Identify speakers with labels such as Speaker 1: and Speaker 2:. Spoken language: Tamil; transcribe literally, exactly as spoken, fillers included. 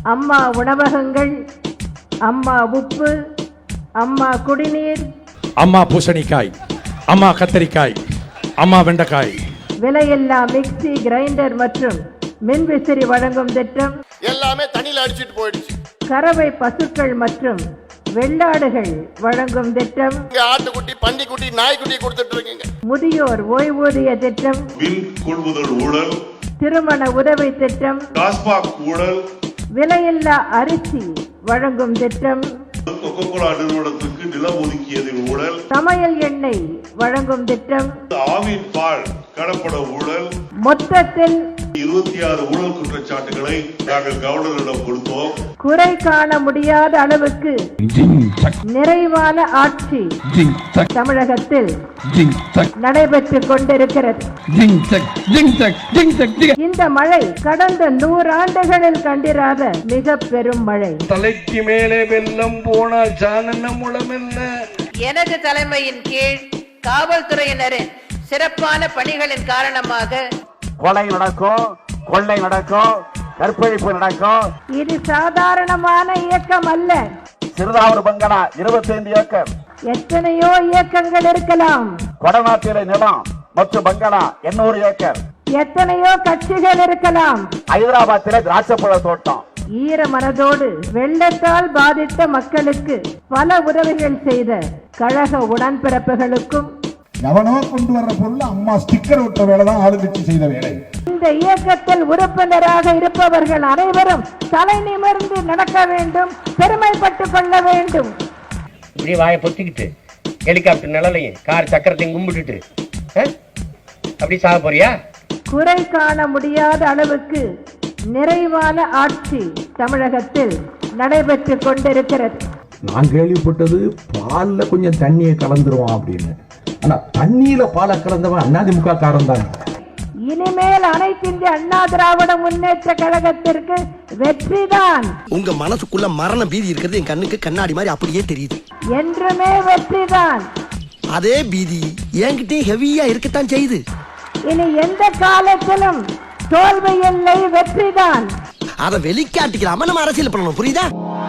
Speaker 1: அம்மா உணவகங்கள், அம்மா உப்பு, அம்மா குடிநீர்,
Speaker 2: அம்மா பூசணிக்காய், அம்மா கத்தரிக்காய், அம்மா வெண்டைக்காய்,
Speaker 1: விலையில்லா மிக்சி கிரைண்டர் மற்றும் மின்விசிறி வழங்கும் திட்டம்
Speaker 3: எல்லாமே தண்ணியில் அடிச்சிட்டு போயிடுச்சு.
Speaker 1: கறவை பசுக்கள் மற்றும் வெள்ளாடுகள் வழங்கும் திட்டம்,
Speaker 3: ஆட்டுக்குட்டி, பன்னிக்குட்டி, நாய்க்குட்டி கொடுத்துட்டு இருக்கீங்க.
Speaker 1: முதியோர் ஓய்வூதிய திட்டம்,
Speaker 4: மின் கொள்முதல் ஊழல்,
Speaker 1: திருமண உதவி திட்டம்,
Speaker 4: டாஸ்மாக் ஊழல்,
Speaker 1: விலையில்லா அரிசி வழங்கும் திட்டம்,
Speaker 4: கொக்கோகோலா நிறுவனத்துக்கு நிலம் ஒதுக்கியதில் ஊழல்,
Speaker 1: சமையல் எண்ணெய் வழங்கும் திட்டம்,
Speaker 4: ஆவின் பால் கடப்பட ஊழல்,
Speaker 1: மொத்தத்தில்
Speaker 4: இருபத்தி ஆறு ஊழல் குற்றச்சாட்டுகளை நாங்கள் கவர்னரிடம் கொடுத்தோம்.
Speaker 1: குறை காண முடியாத அளவுக்கு நிறைவான ஆட்சி தமிழகத்தில் நடைபெற்றுக் கொண்டிருக்கிறது. இந்த மழை கடந்த நூறாண்டுகளில் கண்டிராத மிக பெரும் மழை.
Speaker 5: தலைக்கு மேலே வெள்ளம் போனால் சாணன முளம் என்ன?
Speaker 6: எனது தலைமையின் கீழ் காவல்துறையினரின் சிறப்பான பணிகளின் காரணமாக
Speaker 7: கொலை நடக்கும், கொள்ளை நடக்கும், கற்பழிப்பு நடக்கும்.
Speaker 1: இது சாதாரணமான இயக்கம் அல்ல.
Speaker 7: சிறுதாவூர் பங்களா இருபத்தி ஐந்து ஏக்கர்,
Speaker 1: எத்தனையோ இயக்கங்கள் இருக்கலாம்.
Speaker 7: கொடநாட்டிலை நிலம் மற்றும் பங்களா எண்ணூறு ஏக்கர்,
Speaker 1: எத்தனையோ கட்சிகள் இருக்கலாம்.
Speaker 7: ஹைதராபாத்திலே திராட்சைப்பழ தோட்டம்.
Speaker 1: ஈர மனதோடு வெள்ளத்தால் பாதித்த மக்களுக்கு பல உதவிகள் செய்த கழக உடன்பிறப்புகளுக்கும்,
Speaker 8: எவனோ கொண்டு வர்ற பொருள் அம்மா ஸ்டிக்கர் ஒட்ட வேலைதான் ஆளுங்கட்சி செய்த வேலை.
Speaker 1: இந்த இயக்கத்தில் உறுப்பினராக இருப்பவர்கள் அனைவரும் தலை நிமிர்ந்து நடக்க வேண்டும், பெருமைப்பட்டுக் கொள்ள வேண்டும்.
Speaker 9: இப்படி வாயை பொத்திக்கிட்டு ஹெலிகாப்டர் நிழலையும் கார் சக்கரத்தையும் கும்பிட்டுட்டு அப்படி சாக போறியா?
Speaker 1: குறை காண முடியாத அளவுக்கு நிறைவான ஆட்சி தமிழகத்தில் நடைபெற்றுக் கொண்டிருக்கிறது.
Speaker 10: நான் கேள்விப்பட்டது பால்ல கொஞ்சம் தண்ணியை கலந்துருவான் அப்படின்னு. ஆனா தண்ணியில பாலை கலந்தவன் அதிமுக காரன் தான்.
Speaker 1: இனிமேல் அனைத்து இந்திய அண்ணா திராவிட முன்னேற்ற கழகத்திற்கு வெற்றிதான்.
Speaker 11: உங்க மனசுக்குள்ள மரண பீதி இருக்கிறது என் கண்ணுக்கு கண்ணாடி மாதிரி அப்படியே தெரியுது.
Speaker 1: என்றுமே வெற்றிதான்.
Speaker 11: அதே பீதி என்கிட்ட ஹெவியா இருக்கத்தான் செய்யுது.
Speaker 1: இனி எந்த காலத்திலும் தோல்வி இல்லை, வெற்றிதான்.
Speaker 11: அதை வெளிக்காட்டிக்கிறாம நம்ம அரசியல் பண்ணணும், புரியுதா?